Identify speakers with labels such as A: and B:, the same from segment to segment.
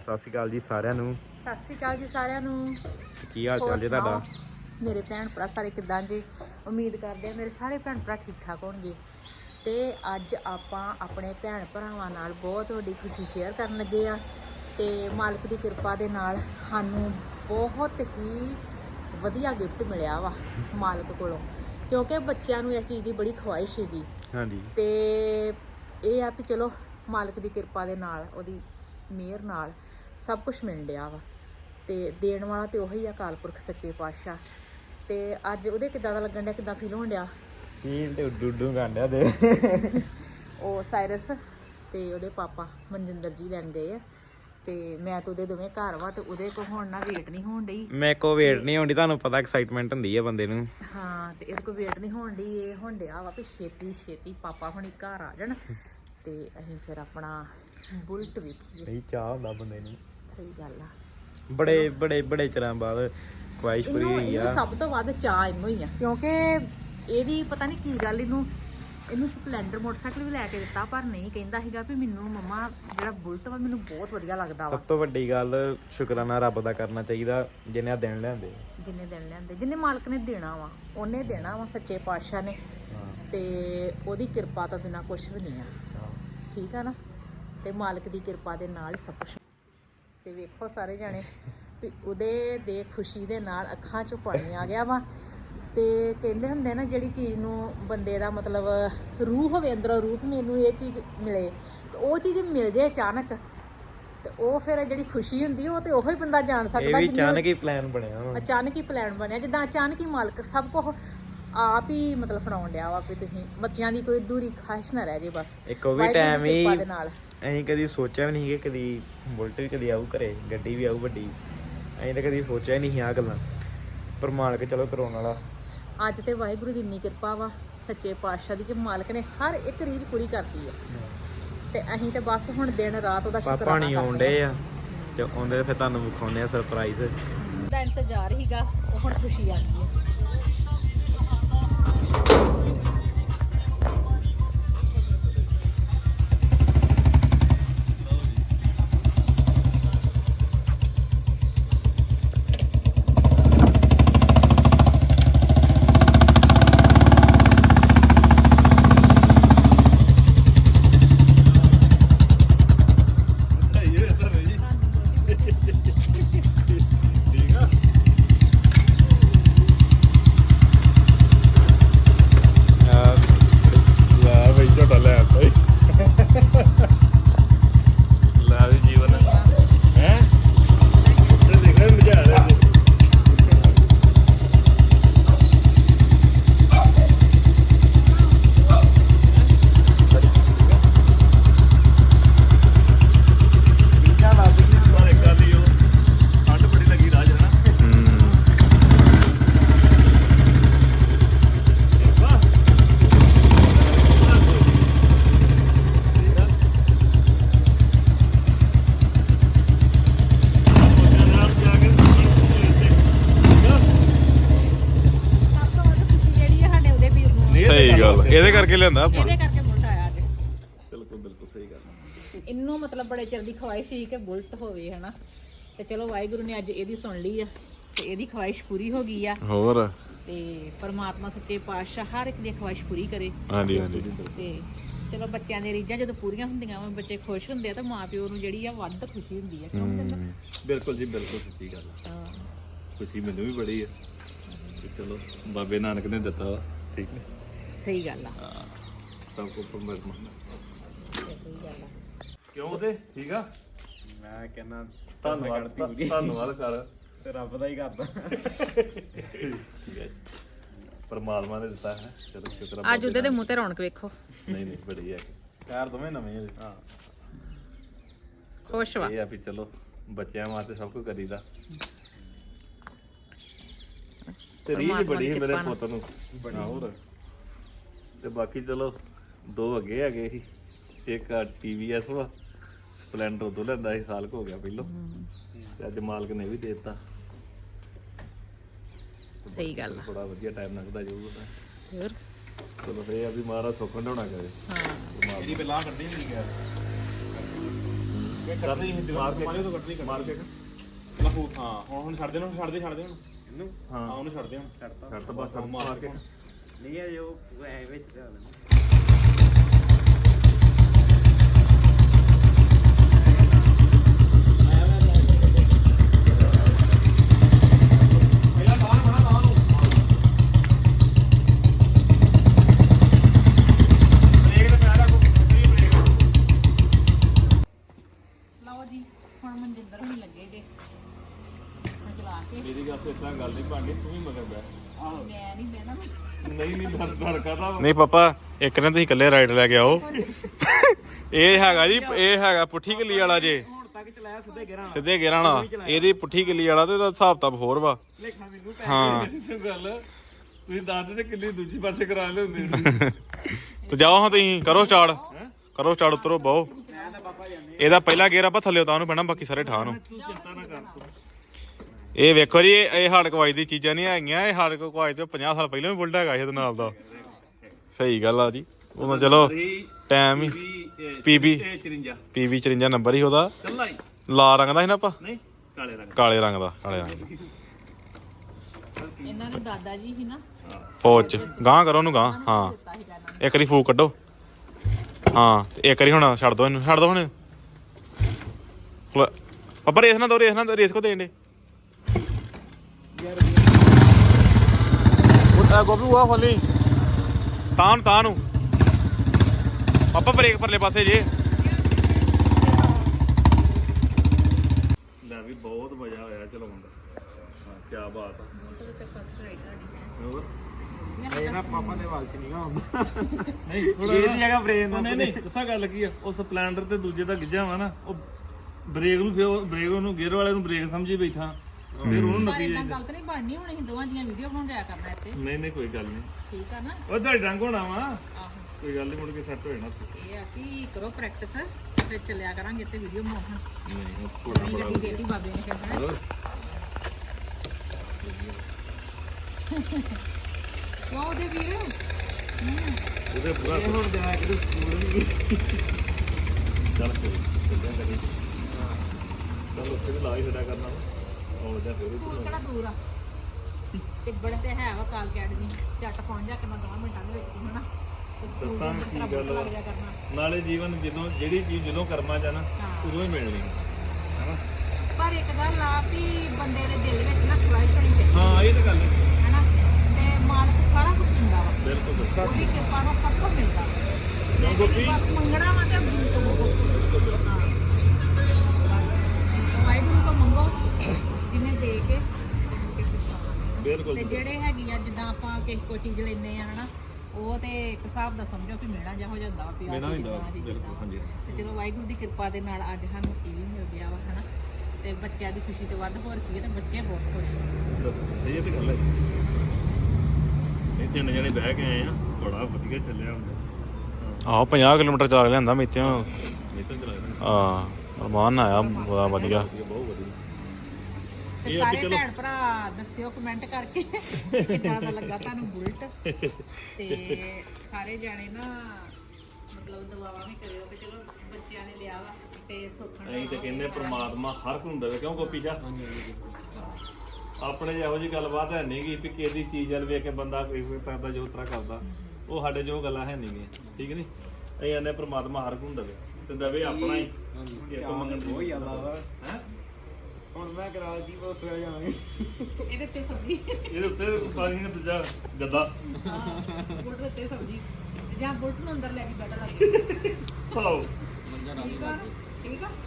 A: ਸਤਿ ਸ਼੍ਰੀ ਅਕਾਲ ਜੀ ਸਾਰਿਆਂ ਨੂੰ।
B: ਸਤਿ ਸ਼੍ਰੀ ਅਕਾਲ ਜੀ ਸਾਰਿਆਂ ਨੂੰ।
A: ਕੀ ਹਾਲ ਚਾਲ ਜੀ ਤੁਹਾਡਾ?
B: ਮੇਰੇ ਭੈਣ ਭਰਾ ਸਾਰੇ ਕਿੱਦਾਂ ਜੀ? ਉਮੀਦ ਕਰਦੇ ਆ ਮੇਰੇ ਸਾਰੇ ਭੈਣ ਭਰਾ ਠੀਕ ਠਾਕ ਹੋਣਗੇ। ਤੇ ਅੱਜ ਆਪਾਂ ਆਪਣੇ ਭੈਣ ਭਰਾਵਾਂ ਨਾਲ ਬਹੁਤ ਵੱਡੀ ਖੁਸ਼ੀ ਸ਼ੇਅਰ ਕਰਨ ਲੱਗੇ ਆ। ਤੇ ਮਾਲਕ ਦੀ ਕਿਰਪਾ ਦੇ ਨਾਲ ਸਾਨੂੰ ਬਹੁਤ ਹੀ ਵਧੀਆ ਗਿਫਟ ਮਿਲਿਆ ਵਾ ਮਾਲਕ ਕੋਲੋਂ, ਕਿਉਂਕਿ ਬੱਚਿਆਂ ਨੂੰ ਇਸ ਚੀਜ਼ ਦੀ ਬੜੀ ਖਵਾਇਸ਼ ਸੀਗੀ।
A: ਹਾਂਜੀ।
B: ਤੇ ਇਹ ਆ ਵੀ ਚਲੋ ਮਾਲਕ ਦੀ ਕਿਰਪਾ ਦੇ ਨਾਲ, ਉਹਦੀ ਮਿਹਰ ਨਾਲ ਸਭ ਕੁਝ ਮਿਲ ਡਿਆ ਵਾ। ਤੇ ਦੇਣ ਵਾਲਾ ਤੇ ਉਹੀ ਆ, ਅਕਾਲ ਪੁਰਖ ਸੱਚੇ ਪਾਤਸ਼ਾਹ। ਤੇ ਅੱਜ ਉਹਦੇ ਕਿੱਦਾਂ ਦਾ ਲੱਗਣ ਡਿਆ, ਕਿੱਦਾਂ ਫੀਲ ਹੋਣ ਡਿਆ?
A: ਫੀਲ ਤੇ ਉੱਡੂ ਗਾਂਡਿਆ ਦੇ
B: ਉਹ ਸਾਇਰਸ ਤੇ ਉਹਦੇ ਪਾਪਾ ਮਨਜਿੰਦਰ ਜੀ ਲੈਣ ਗਏ ਆ। ਤੇ ਮੈਂ ਤਾਂ ਉਹਦੇ ਦੋਵੇਂ ਘਰ ਵਾ, ਤੇ ਉਹਦੇ ਕੋ ਹੁਣ ਨਾ ਵੇਟ ਨਹੀਂ ਹੋਣ ਡਈ।
A: ਮੇਰੇ ਕੋ ਵੇਟ ਨਹੀਂ ਹੋਣੀ, ਤੁਹਾਨੂੰ ਪਤਾ ਐਕਸਾਈਟਮੈਂਟ ਹੁੰਦੀ ਹੈ ਬੰਦੇ ਨੂੰ।
B: ਹਾਂ, ਤੇ ਇਹਦੇ ਕੋ ਵੇਟ ਨਹੀਂ ਹੋਣ ਡਈ। ਇਹ ਹੁਣ ਡਿਆ ਵਾ ਵੀ ਛੇਤੀ ਛੇਤੀ ਪਾਪਾ ਹੁਣੀ ਘਰ ਆ ਜਾਣ ਤੇ ਅਸੀਂ ਫਿਰ ਆਪਣਾ ਬੁਲਟ ਵੇਖੀਏ।
A: ਸਹੀ ਚਾਹ ਹੁੰਦਾ ਬੰਦੇ ਨੂੰ।
B: ਸਹੀ ਗੱਲ ਆ।
A: ਬੜੇ ਚਿਰਾਂ ਬਾਅਦ ਖੁਆਇਸ਼ ਪੂਰੀ ਹੋਈ ਆ।
B: ਇਹਨੂੰ ਸਭ ਤੋਂ ਵੱਧ ਚਾਹ ਇਹਨੂੰ ਹੀ ਆ, ਕਿਉਂਕਿ ਇਹਦੀ ਪਤਾ ਨਹੀਂ ਕੀ ਗੱਲ, ਇਹਨੂੰ ਸਪਲੈਂਡਰ ਮੋਟਰਸਾਈਕਲ ਵੀ ਲੈ ਕੇ ਦਿੱਤਾ, ਪਰ ਨਹੀਂ, ਕਹਿੰਦਾ ਸੀਗਾ ਵੀ ਮੈਨੂੰ ਮੰਮਾ ਜਿਹੜਾ ਬੁਲਟ ਵਾ ਮੈਨੂੰ ਬਹੁਤ ਵਧੀਆ ਲੱਗਦਾ ਵਾ।
A: ਸਭ ਤੋਂ ਵੱਡੀ ਗੱਲ ਸ਼ੁਕਰਾਨਾ ਰੱਬ ਦਾ ਕਰਨਾ ਚਾਹੀਦਾ, ਜਿੰਨੇ ਆ ਦਿਨ ਲਿਆਂਦੇ।
B: ਜਿੰਨੇ ਦਿਨ ਲਿਆਂਦੇ, ਜਿੰਨੇ ਮਾਲਕ ਨੇ ਦੇਣਾ ਵਾ ਉਹਨੇ ਦੇਣਾ ਵਾ, ਸੱਚੇ ਪਾਤਸ਼ਾਹ ਨੇ। ਤੇ ਉਹਦੀ ਕਿਰਪਾ ਤੋਂ ਬਿਨਾਂ ਕੁਝ ਵੀ ਨਹੀਂ ਆ, ਠੀਕ ਆ ਨਾ। ਤੇ ਮਾਲਕ ਦੀ ਕਿਰਪਾ ਦੇ ਨਾਲ ਹੀ ਸਭ ਕੁਝ। ਤੇ ਵੇਖੋ ਸਾਰੇ ਜਾਣੇ ਵੀ ਉਹਦੇ ਦੇ ਖੁਸ਼ੀ ਦੇ ਨਾਲ ਅੱਖਾਂ 'ਚੋਂ ਪਾਣੀ ਆ ਗਿਆ ਵਾ। ਤੇ ਕਹਿੰਦੇ ਹੁੰਦੇ ਨਾ, ਜਿਹੜੀ ਚੀਜ਼ ਨੂੰ ਬੰਦੇ ਦਾ ਮਤਲਬ ਰੂਹ ਹੋਵੇ ਅੰਦਰੋਂ, ਰੂਹ ਮੈਨੂੰ ਇਹ ਚੀਜ਼ ਮਿਲੇ, ਤੇ ਉਹ ਚੀਜ਼ ਮਿਲ ਜੇ ਅਚਾਨਕ, ਤੇ ਉਹ ਫਿਰ ਜਿਹੜੀ ਖੁਸ਼ੀ ਹੁੰਦੀ ਉਹ ਤੇ ਉਹੀ ਬੰਦਾ ਜਾਣ ਸਕਦਾ।
A: ਅਚਾਨਕ ਹੀ ਪਲਾਨ ਬਣਿਆ ਵਾ।
B: ਅਚਾਨਕ ਹੀ ਪਲਾਨ ਬਣਿਆ, ਜਿੱਦਾਂ ਅਚਾਨਕ ਹੀ ਮਾਲਕ ਸਭ ਕੁਝ ਆਪ ਹੀ ਮਤਲਬ ਫੜਾਉਣ ਡਿਆ ਵਾ ਵੀ ਤੁਸੀਂ ਬੱਚਿਆਂ ਦੀ ਕੋਈ ਦੂਰੀ ਖਾਹਿਸ਼ ਨਾ ਰਹਿ ਜੇ ਬਸ।
A: ਇੱਕ ਉਹ ਵੀ ਟਾਈਮ ਹੀ
B: ਨਾਲ
A: ਅਸੀਂ ਕਦੀ ਸੋਚਿਆ ਵੀ ਨਹੀਂ ਕਿ ਕਦੀ ਬੁਲਟ ਵੀ ਕਦੀ ਆਊ ਘਰੇ, ਗੱਡੀ ਵੀ ਆਊ ਵੱਡੀ। ਅਸੀਂ ਤਾਂ ਕਦੀ ਸੋਚਿਆ ਹੀ ਨਹੀਂ ਆਹ ਗੱਲਾਂ, ਪਰ ਮਾਲਕ ਚਲੋ ਕਰਾਉਣ ਵਾਲਾ। ਅੱਜ
B: ਤੇ ਵਾਹਿਗੁਰੂ ਦੀ ਇੰਨੀ ਕਿਰਪਾ ਵਾ ਸੱਚੇ ਪਾਤਸ਼ਾਹ ਦੀ, ਕਿ ਮਾਲਕ ਨੇ ਹਰ ਇੱਕ ਰੀਝ ਪੂਰੀ ਕਰਤੀ ਆ। ਤੇ ਅਸੀਂ ਤੇ ਬਸ ਹੁਣ ਦਿਨ ਰਾਤ ਉਹਦਾ ਸ਼ੁਕਰਾਨਾ
A: ਪਾਪਾ ਨਹੀਂ ਆਉਂਦੇ ਆ, ਤੇ ਆਉਂਦੇ ਫਿਰ ਤੁਹਾਨੂੰ ਵਿਖਾਉਂਦੇ ਆ ਸਰਪ੍ਰਾਈਜ਼
B: ਦਾ ਇੰਤਜ਼ਾਰ ਹੀਗਾ। ਉਹ ਹੁਣ ਖੁਸ਼ੀ ਆ ਗਈ ਹੈ।
A: ਇਹਦੇ ਕਰਕੇ ਲਿਆਂਦਾ ਆਪਾਂ,
B: ਇਹਦੇ ਕਰਕੇ ਬੁਲਟ ਆਇਆ ਅੱਜ।
A: ਬਿਲਕੁਲ ਸਹੀ ਗੱਲ।
B: ਇਹਨੂੰ ਮਤਲਬ ਬੜੇ ਚਿਰ ਦੀ ਖਵਾਇਸ਼ ਸੀ ਕਿ ਬੁਲਟ ਹੋਵੇ, ਹਨਾ। ਤੇ ਚਲੋ ਵਾਹਿਗੁਰੂ ਨੇ ਅੱਜ ਇਹਦੀ ਸੁਣ ਲਈ ਆ, ਤੇ ਇਹਦੀ ਖਵਾਇਸ਼ ਪੂਰੀ ਹੋ ਗਈ ਆ।
A: ਹੋਰ
B: ਤੇ ਪਰਮਾਤਮਾ ਸੱਚੇ ਪਾਤਸ਼ਾਹ ਹਰ ਇੱਕ ਦੀ ਖਵਾਇਸ਼ ਪੂਰੀ ਕਰੇ।
A: ਹਾਂਜੀ।
B: ਤੇ ਚਲੋ ਬੱਚਿਆਂ ਦੀਆਂ ਰੀਝਾਂ ਜਦੋਂ ਪੂਰੀਆਂ ਹੁੰਦੀਆਂ ਵਾ, ਬੱਚੇ ਖੁਸ਼ ਹੁੰਦੇ ਆ, ਤਾਂ ਮਾਂ ਪਿਓ ਨੂੰ ਜਿਹੜੀ ਆ ਵੱਧ ਖੁਸ਼ੀ ਹੁੰਦੀ ਆ। ਕਿਉਂ ਕਹਿੰਦਾ?
C: ਬਿਲਕੁਲ ਜੀ, ਬਿਲਕੁਲ ਸੱਚੀ ਗੱਲ ਆ।
B: ਹਾਂ,
C: ਖੁਸ਼ੀ ਮੈਨੂੰ ਵੀ ਬੜੀ ਆ। ਤੇ ਚਲੋ ਬਾਬੇ ਨਾਨਕ ਨੇ ਦਿੱਤਾ ਵਾ, ਠੀਕ ਨੇ।
B: ਸਹੀ ਗੱਲ ਆ।
C: ਹਾਂ, ਸਭ ਕੁਝ ਪਰਮਾਤਮਾ ਦਾ।
B: ਸਹੀ ਗੱਲ ਆ।
C: ਕਿਉਂ ਉਹਦੇ ਠੀਕ ਆ।
A: ਮੈਂ ਕਹਿੰਦਾ
C: ਧੰਨਵਾਦ ਕਰ,
A: ਤੇ ਰੱਬ ਦਾ ਹੀ ਕਰਦਾ।
C: ਠੀਕ ਹੈ, ਪਰਮਾਤਮਾ ਨੇ ਦਿੱਤਾ ਹੈ। ਚਲੋ ਸ਼ੁਕਰ
B: ਅੱਜ ਉਹਦੇ ਮੂੰਹ ਤੇ ਰੌਣਕ ਵੇਖੋ।
C: ਨਹੀਂ ਬੜੀ ਹੈ।
A: ਕਾਰ ਦੋਵੇਂ ਨਵੇਂ ਹਾਂ,
B: ਖੁਸ਼ ਵਾ।
C: ਇਹ ਆ ਵੀ ਚਲੋ ਬੱਚਿਆਂ ਵਾਸਤੇ ਸਭ ਕੁਝ ਕਰੀਦਾ। ਤੇ ਰੀਝ ਬੜੀ ਮੇਰੇ ਪੁੱਤ ਨੂੰ
A: ਬਣਾ। ਹੋਰ
C: ਤੇ ਬਾਕੀ ਚਲੋ ਦੋ ਅੱਗੇ ਹੈਗੇ ਸੀ, ਇੱਕ TVS ਵਾ, ਸਪਲੈਂਡਰ ਉਦੋਂ ਲੈਂਦਾ ਸੀ, ਸਾਲ ਕੁ ਹੋ ਗਿਆ ਪਹਿਲੋਂ, ਤੇ ਅੱਜ ਮਾਲਕ ਨੇ ਵੀ ਦੇ ਦਿੱਤਾ।
B: ਸਹੀ ਗੱਲ ਆ,
C: ਬੜਾ ਵਧੀਆ ਟਾਈਮ ਲੰਘਦਾ ਜਾਊਗਾ।
B: ਹੋਰ
C: ਚਲੋ ਇਹ ਆ ਵੀ ਮਹਾਰਾਜ ਸੁੱਖ ਢਾਉਣਾ ਕਰੇ।
B: ਹਾਂ,
A: ਇਹਦੀ ਪਹਿਲਾਂ ਕੱਢੀ ਨਹੀਂ ਗਿਆ।
C: ਕਰਨੀ ਮਾਰ ਕੇ
D: ਪਾਣੀ ਤੋਂ ਕੱਟਣੀ
C: ਮਾਰ ਕੇ
D: ਲਹੂ ਹਾਂ ਹੁਣ ਛੱਡ ਦੇ ਛੱਡ ਦੇ ਹੁਣ
A: ਇਹਨੂੰ
C: ਹਾਂ
D: ਉਹਨੂੰ ਛੱਡ ਦੇ ਹੁਣ
C: ਛੱਡ ਤਾਂ ਬਸ ਮਾਰ ਕੇ
A: ਨਹੀਂ ਹੈ ਜੋ ਐ ਵਿੱਚ ਤੇ
D: ਪਹਿਲਾਂ ਬਾਹਰ ਬਣਾ ਤਾਂ ਨੂੰ ਬ੍ਰੇਕ ਤੇ ਪੈਰ ਰੱਖੋ ਬ੍ਰੇਕ
B: ਲਓ ਜੀ ਹੁਣ ਮਨਜਿੰਦਰ ਵੀ ਲੱਗੇ ਜੇ ਹੁਣ ਚਲਾ ਕੇ
C: ਮੇਰੀ ਗੱਲ ਤੋਂ ਇਦਾਂ ਗੱਲ ਨਹੀਂ ਬਣਨੀ ਤੂੰ ਵੀ ਮਗਰ ਬੈ
B: ਮੈਂ ਨਹੀਂ ਬਹਿਣਾ
C: ਨਹੀਂ ਡਰ ਕਾਦਾ
A: ਨਹੀਂ ਪਾਪਾ ਇੱਕ ਨੇ ਤੁਸੀਂ ਇਕੱਲੇ ਰਾਈਡ ਲੈ ਕੇ ਆਓ ਇਹ ਹੈਗਾ ਜੀ ਇਹ ਹੈਗਾ ਪੁੱਠੀ ਕਿੱਲੀ ਵਾਲਾ ਜੇ
D: ਹੁਣ ਤੱਕ ਚਲਾਇਆ
A: ਸਿੱਧੇ ਗੇਰਾਂ ਵਾਲਾ ਇਹਦੀ ਪੁੱਠੀ ਕਿੱਲੀ ਵਾਲਾ ਤੇ ਇਹਦਾ ਹਿਸਾਬ ਤਾਂ ਹੋਰ ਵਾ
D: ਲੇਖਾ ਮੈਨੂੰ
A: ਹਾਂ
C: ਗੱਲ ਤੁਸੀਂ ਦੱਸਦੇ ਤੇ ਕਿੰਨੀ ਦੂਜੀ ਪਾਸੇ ਕਰਾ ਲਿਆਉਂਦੇ
A: ਤੇ ਜਾਓ ਹਾਂ ਤੁਸੀਂ ਕਰੋ ਸਟਾਰਟ ਉਤਰੋ ਬਹੁ ਇਹਦਾ ਪਹਿਲਾ ਗੇਰ ਆਪਾਂ ਥੱਲੇ ਉਤਾਰ ਨੂੰ ਪੈਣਾ ਬਾਕੀ ਸਾਰੇ ਠਾਹ ਨੂੰ
C: ਤੂੰ ਚਿੰਤਾ ਨਾ ਕਰ ਤੂੰ
A: ਇਹ ਵੇਖੋ ਜੀ ਇਹ ਹਾਰਡ ਕਵਾਈ ਦੀ ਚੀਜ਼ਾਂ ਨਹੀਂ ਹੈਗੀਆਂ ਇਹ ਹਾਰਡ ਕਵਾਈ ਤੋਂ 50 ਸਾਲ ਪਹਿਲਾਂ ਵੀ ਬੁਲਟ ਹੈਗਾ ਸੀ ਇਹਦੇ ਨਾਲ ਦਾ ਸਹੀ ਗੱਲ ਆ ਜੀ ਉਹ ਚਲੋ ਟਾਈਮ ਹੀ ਪੀਬੀ 54 ਨੰਬਰ ਹੀ ਉਹਦਾ
C: ਚੱਲਾ ਹੀ
A: ਲਾਲ ਰੰਗ ਦਾ ਸੀ ਨਾ ਆਪਾਂ
C: ਨਹੀਂ
A: ਕਾਲੇ ਰੰਗ ਦਾ
B: ਇਹਨਾਂ ਦੇ ਦਾਦਾ ਜੀ ਸੀ ਨਾ
A: ਫੌਜ ਚ ਗਾਂ ਕਰੋ ਉਹਨੂੰ ਗਾਂ ਹਾਂ
B: ਦਿੱਤਾ ਸੀਗਾ ਇਹਨਾਂ
A: ਇੱਕ ਵਾਰੀ ਫੂਕ ਕੱਢੋ ਹਾਂ ਤੇ ਇੱਕ ਵਾਰੀ ਹੁਣ ਛੱਡ ਦੋ ਇਹਨੂੰ ਛੱਡ ਦੋ ਹੁਣ ਪਾਪਾ ਰੇਸ ਨਾ ਦੋ ਰੇਸ ਕੋ ਦੇਣ ਦੇ ਉਹ ਗੋਪੀ ਉਹ ਖੋਲੀ ਤਾਂ ਨੂੰ ਪਾਪਾ ਬ੍ਰੇਕ ਪਰਲੇ ਪਾਸੇ ਜੇ
C: ਲੈ ਵੀ ਬਹੁਤ ਮਜ਼ਾ ਆਇਆ ਚਲਾਉਣ ਦਾ ਹਾਂ ਕੀ ਬਾਤ ਆ
B: ਨੂੰ ਤੇ ਫਸਟ ਰਾਈਡ ਸਾਡੀ
C: ਹੋਰ
D: ਇਹ ਨਾ ਪਾਪਾ ਦੇ ਵਾਲ ਚ ਨਹੀਂ ਆਉਂਦਾ
C: ਨਹੀਂ
D: ਇਹਦੀ ਜਗ੍ਹਾ ਬ੍ਰੇਕ ਦਾ
C: ਨਹੀਂ ਦੱਸਾਂ ਗੱਲ ਕੀ ਆ ਉਹ ਸਪਲੈਂਡਰ ਤੇ ਦੂਜੇ ਦਾ ਗਿੱਜਾ ਵਾ ਨਾ ਉਹ ਬ੍ਰੇਕ ਨੂੰ ਫਿਰ ਬ੍ਰੇਕ ਨੂੰ ਗੇਅਰ ਵਾਲੇ ਨੂੰ ਬ੍ਰੇਕ ਸਮਝੀ ਬੈਠਾ ਫਿਰ ਉਹਨੂੰ
B: ਪਰ
C: ਨੱਪੀ
B: ਇਦਾਂ
C: ਜਾਈਦਾ
B: ਗਲਤ ਨਹੀਂ ਬਣਨੀ ਹੁਣ ਅਸੀਂ ਦੋਵਾਂ ਦੀਆਂ ਵੀਡੀਓ ਬਣਾਉਣ ਜਾਇਆ ਕਰਨਾ ਇੱਥੇ
C: ਨਹੀਂ ਕੋਈ ਗੱਲ ਨਹੀਂ
B: ਠੀਕ ਆ ਨਾ
C: ਉਹ ਤੁਹਾਡੇ ਰੰਗ ਹੋਣਾ ਵਾ
B: ਆਹੋ
C: ਕੋਈ ਗੱਲ ਨਹੀਂ ਮੁੜ ਕੇ ਸੈੱਟ ਹੋ ਜਾਣਾ
B: ਇਹ ਆ ਕਿ ਕਰੋ ਪ੍ਰੈਕਟਿਸ ਫਿਰ ਚੱਲਿਆ ਕਰਾਂਗੇ ਤੇ ਵੀਡੀਓ ਬਣਾਉਣ
C: ਨਹੀਂ ਉਹ ਥੋੜਾ
B: ਨਹੀਂ
C: ਬੜਾ
B: ਗੱਡੀ ਦੇਤੀ ਬਾਬੇ ਨੇ ਕਹਿੰਦਾ
C: ਹੋਰ
B: ਕਿਉਂ ਉਹਦੇ ਵੀਰ
C: ਉਹਦੇ ਪੂਰਾ
D: ਹੁਣ ਜਾ ਕੇ ਸਕੂਲ ਵੀ
C: ਚੱਲ ਕੋਈ ਕਿੱਦਾਂ ਕਰੀ ਚੱਲ ਉੱਥੇ ਵੀ ਲਾ ਹੀ ਛੱਡਿਆ ਕਰਨਾ ਆਉਣ ਜਾ ਫਿਰ
B: ਸਕੂਲ ਕਿਹੜਾ ਦੂਰ ਆ ਟਿੱਬੜ ਤੇ ਹੈ ਵਾ ਕਾਲ ਅਕੈਡਮੀ ਝੱਟ ਪਹੁੰਚ ਜਾ ਕਰਨਾ 2 ਮਿੰਟਾਂ ਦੇ ਵਿੱਚ ਤੂੰ ਹਨਾ ਤੇ ਸਕੂਲ
C: ਦੱਸਾਂ
B: ਦੇ
C: ਕੀ
B: ਅੰਦਰ
C: ਗੱਲ ਵਾ।
B: ਲੱਗ ਜਾ ਕਰਨਾ
C: ਨਾਲੇ ਜੀਵਨ ਜਦੋਂ ਜਿਹੜੀ ਚੀਜ਼ ਜਦੋਂ ਕਰਮਾਂ ਚ ਆ ਨਾ
B: ਹਾਂ।
C: ਉਦੋਂ ਹੀ ਮਿਲਣੀ ਹੈਨਾ
B: ਪਰ ਇੱਕ ਗੱਲ ਆ ਵੀ ਬੰਦੇ ਦੇ ਦਿਲ ਵਿੱਚ ਨਾ ਖੁਆਇਸ਼ ਹੋਣੀ ਚਾਹੀਦੀ
C: ਹਾਂ ਇਹ ਤਾਂ ਗੱਲ ਹੈ
B: ਹੈਨਾ ਤੇ ਮਾਲਕ ਸਾਰਾ ਕੁਝ ਦਿੰਦਾ ਵਾ
C: ਬਿਲਕੁਲ ਬਿਲਕੁਲ
B: ਉਹਦੀ ਕਿਰਪਾ ਨਾਲ ਸਭ ਕੁਝ ਮਿਲਦਾ
C: ਕਿਉਂ ਗੋਪੀ
B: ਬਸ ਮੰਗਣਾ ਵਾ ਤੇ ਵਾਹਿਗੁਰੂ ਕੋ ਮੰਗੋ ਜਿਹਨੇ ਦੇ ਕੇ
C: ਬਿਲਕੁਲ
B: ਤੇ ਜਿਹੜੇ ਹੈਗੀ ਆ ਜਿੱਦਾਂ ਆਪਾਂ ਕਿਸੇ ਕੋ ਚੀਜ਼ ਲੈਨੇ ਆ ਹਨਾ ਉਹ ਤੇ ਇੱਕ ਹਿਸਾਬ ਦਾ ਸਮਝੋ ਵੀ ਮਿਹਣਾ ਜਿਹਾ ਹੋ ਜਾਂਦਾ ਵਾ ਵੀ ਆਹ
C: ਮਿਹਣਾ
B: ਚੀਜ਼
C: ਹੁੰਦਾ,
B: ਏਦਾਂ, ਆਹ ਚੀਜ਼
C: ਬਿਲਕੁਲ,
B: ਏਦਾਂ।
C: ਹਾਂਜੀ।
B: ਤੇ ਚਲੋ ਵਾਹਿਗੁਰੂ ਦੀ ਕਿਰਪਾ ਦੇ ਨਾਲ ਅੱਜ ਸਾਨੂੰ ਇਹ ਵੀ ਮਿਲ ਗਿਆ ਵਾ ਹਨਾ ਤੇ ਬੱਚਿਆਂ ਦੀ ਖੁਸ਼ੀ ਤੋਂ ਵੱਧ ਹੋਰ ਕੀ ਹੈ ਤੇ ਬੱਚੇ ਬਹੁਤ ਖੁਸ਼ ਨੇ
C: ਇਹ ਤੇ ਗੱਲ ਹੈ ਇਹ ਤਿੰਨ ਜਣੇ ਬਹਿ ਕੇ ਆਏ ਆ ਬੜਾ ਵਧੀਆ ਚੱਲਿਆ ਹੁੰਦਾ
A: ਆਹੋ 50 ਕਿਲੋਮੀਟਰ ਚਲਾ ਕੇ ਲਿਆਂਦਾ ਮੇਤਿਆਂ
C: ਇਹ ਤਾਂ ਚਲਾਇਆ
A: ਆ ਰਮਾਨ ਆਇਆ ਬੜਾ ਵਧੀਆ
C: ਬਹੁਤ ਵਧੀਆ
B: ਤੇ
C: ਇਹ ਆ ਵੀ
B: ਸਾਰੇ
C: ਚਲੋ-
B: ਭੈਣ ਭਰਾ ਦੱਸਿਓ ਕਮੈਂਟ ਕਰਕੇ ਕਿ ਕਿੱਦਾਂ ਦਾ ਲੱਗਾ ਤੁਹਾਨੂੰ ਬੁਲਟ ਤੇ ਸਾਰੇ ਜਾਣੇ ਨਾ ਮਤਲਬ ਦੁਆਵਾਂ ਵੀ ਕਰਿਓ ਕਿ ਚਲੋ ਬੱਚਿਆਂ ਨੇ ਲਿਆ ਵਾ ਤੇ ਸੁੱਖਣ
C: ਅਸੀਂ ਤੇ ਕਹਿੰਦੇ ਪ੍ਰਮਾਤਮਾ ਹਰ ਕੋਈ ਨੂੰ ਦੇਵੇ ਕਿਉਂ ਗੋਪੀ ਸ਼ਾ ਆਪਣੇ ਜਿਹੋ ਜਿਹੀ ਗੱਲਬਾਤ ਹੈ ਨਹੀਂ ਗੀ ਵੀ ਕਿਹਦੀ ਚੀਜ਼ ਵੱਲ ਵੇਖ ਕੇ ਬੰਦਾ ਕੋਈ ਕਰਦਾ ਜੋ ਤਰ੍ਹਾਂ ਕਰਦਾ ਉਹ ਸਾਡੇ ਜੋ ਗੱਲਾਂ ਹੈ ਨਹੀਂ ਗੀਆਂ ਠੀਕ ਨਹੀਂ ਅਸੀਂ ਕਹਿੰਦੇ ਪ੍ਰਮਾਤਮਾ ਹਰ ਕੋਈ ਨੂੰ ਦੇਵੇ ਤੇ ਦੇਵੇ ਆਪਣਾ ਹੀ ਇੱਕ ਮੰਗਣ
D: ਬਹੁਤ ਜ਼ਿਆਦਾ ਵਾ
C: ਹੈ
D: ਹੁਣ ਮੈਂ ਕਰਾ ਕੀ ਪਤਾ ਸੋਇਆ ਜਾਵਾਂਗੇ
B: ਇਹਦੇ ਤੇ ਸਬਜ਼ੀ
C: ਇਹਦੇ ਉੱਤੇ ਪਾਣੀ ਨੇ ਦੂਜਾ ਗੱਦਾ
B: ਬੁਲਟ ਦੇ ਉੱਤੇ ਸਬਜ਼ੀ ਜਾਂ ਬੁਲਟ ਨੂੰ ਅੰਦਰ ਲੈ ਕੇ ਬੈਠਾ ਲੱਗੇ
C: ਪਾਓ
B: ਠੀਕ ਆ ਨਾ? ਠੀਕ ਆ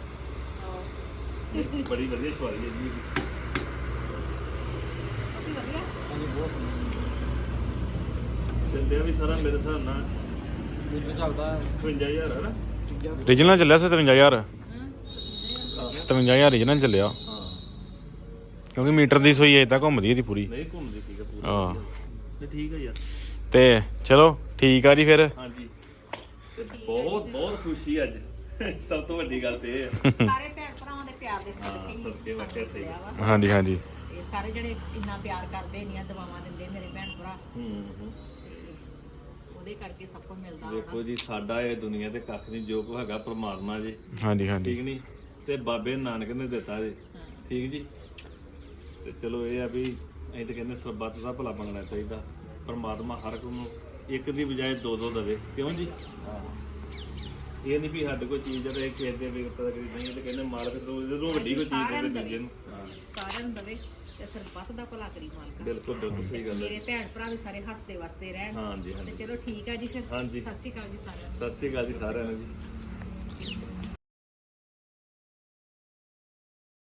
C: ਬੜੀ ਵਧੀਆ ਸਵਾਰੀ ਹੈ ਜੀ
B: ਕਾਫੀ ਵਧੀਆ
C: ਦਿੰਦੇ ਆ ਵੀ ਸਾਰਾ ਮੇਰੇ ਹਿਸਾਬ ਨਾਲ
D: ਮੈਨੂੰ ਚੱਲਦਾ
C: 55000 ਹੈ ਨਾ
A: ਰੀਜਨਲ ਚੱਲਿਆ 57000
B: ਹਾਂ
A: 57000 ਰੀਜਨਲ ਚੱਲਿਆ
C: ਹਾਂ
A: ਕਿਉਂਕਿ ਮੀਟਰ ਦੀ ਸੋਈ ਏਦਾਂ ਘੁੰਮਦੀ ਇਹਦੀ ਪੂਰੀ
C: ਨਹੀਂ ਘੁੰਮਦੀ ਠੀਕ ਹੈ ਪੂਰਾ
A: ਹਾਂ
C: ਤੇ ਠੀਕ ਹੈ ਯਾਰ
A: ਤੇ ਚਲੋ ਠੀਕ ਆ ਜੀ ਫਿਰ
C: ਹਾਂਜੀ ਤੇ ਬਹੁਤ ਬਹੁਤ ਖੁਸ਼ੀ ਅੱਜ ਸਭ ਤੋਂ ਵੱਡੀ ਗੱਲ ਤੇ ਇਹ ਹੈ
B: ਸਾਰੇ ਭੈਣ ਭਰਾਵਾਂ ਦੇ ਪਿਆਰ ਦੇ
C: ਹਾਂ,
B: ਸਦਕੇ
C: ਸਦਕੇ ਵਾਕਿਆ ਸਹੀ।
A: ਹਾਂਜੀ ਹਾਂਜੀ
B: ਇਹ ਸਾਰੇ ਜਿਹੜੇ ਇੰਨਾ ਪਿਆਰ ਕਰਦੇ ਇੰਨੀਆਂ ਦੁਆਵਾਂ ਦਿੰਦੇ ਮੇਰੇ ਭੈਣ ਭਰਾ
C: ਹੂੰ
B: ਤੇ ਉਹਦੇ ਕਰਕੇ ਸਭ ਕੁਝ ਮਿਲਦਾ
C: ਦੇਖੋ ਜੀ ਸਾਡਾ ਇਹ ਦੁਨੀਆ ਤੇ ਕੱਖ ਨਹੀਂ ਜੋ ਕੋ ਹੈਗਾ ਪ੍ਰਮਾਤਮਾ ਜੀ
A: ਹਾਂਜੀ ਹਾਂਜੀ
C: ਠੀਕ ਨਹੀਂ ਤੇ ਬਾਬੇ ਨਾਨਕ ਨੇ ਦਿੱਤਾ ਜੀ
B: ਹਾਂ।
C: ਠੀਕ ਜੀ। ਤੇ ਚਲੋ ਇਹ ਆ ਵੀ ਅਸੀਂ ਤਾਂ ਕਹਿੰਦੇ ਸਰਬੱਤ ਦਾ ਭਲਾ ਬਣਨਾ ਚਾਹੀਦਾ, ਪਰਮਾਤਮਾ ਹਰ ਇੱਕ ਨੂੰ ਇੱਕ ਦੀ ਬਜਾਏ ਦੋ ਦੋ ਦੇਵੇ, ਕਿਉਂ ਜੀ? ਹਾਂ, ਇਹ ਨਹੀਂ ਵੀ ਸਾਡੇ ਕੋਈ ਚੀਜ਼ ਹੈ ਤੇ ਕਿਸੇ ਦੇ ਵੀ ਪਤਾ ਕਰੀ ਨਹੀਂ, ਤੇ ਕਹਿੰਦੇ ਮਾਲਕ ਜਦੋਂ ਵੱਡੀ ਕੋਈ ਚੀਜ਼ ਦੇ ਦੂਜੇ ਨੂੰ। ਹਾਂ,
B: ਸਾਰਿਆਂ ਨੂੰ ਦਵੇ ਤੇ ਸਰਬੱਤ ਦਾ ਭਲਾ ਕਰੀ ਮਾਲਕਾ।
C: ਬਿਲਕੁਲ ਬਿਲਕੁਲ ਸਹੀ ਗੱਲ ਹੈ।
B: ਮੇਰੇ ਭੈਣ ਭਰਾ ਵੀ ਸਾਰੇ ਹੱਸਦੇ ਵਸਦੇ ਰਹਿਣ।
C: ਹਾਂਜੀ
B: ਤੇ
C: ਹਾਂਜੀ
B: ਚਲੋ ਠੀਕ ਆ ਜੀ ਫਿਰ।
C: ਹਾਂਜੀ।
B: ਸਤਿ ਸ਼੍ਰੀ ਅਕਾਲ ਜੀ ਸਾਰਿਆਂ ਨੂੰ।
C: ਸਤਿ ਸ੍ਰੀ ਅਕਾਲ ਜੀ ਸਾਰਿਆਂ ਨੂੰ ਜੀ।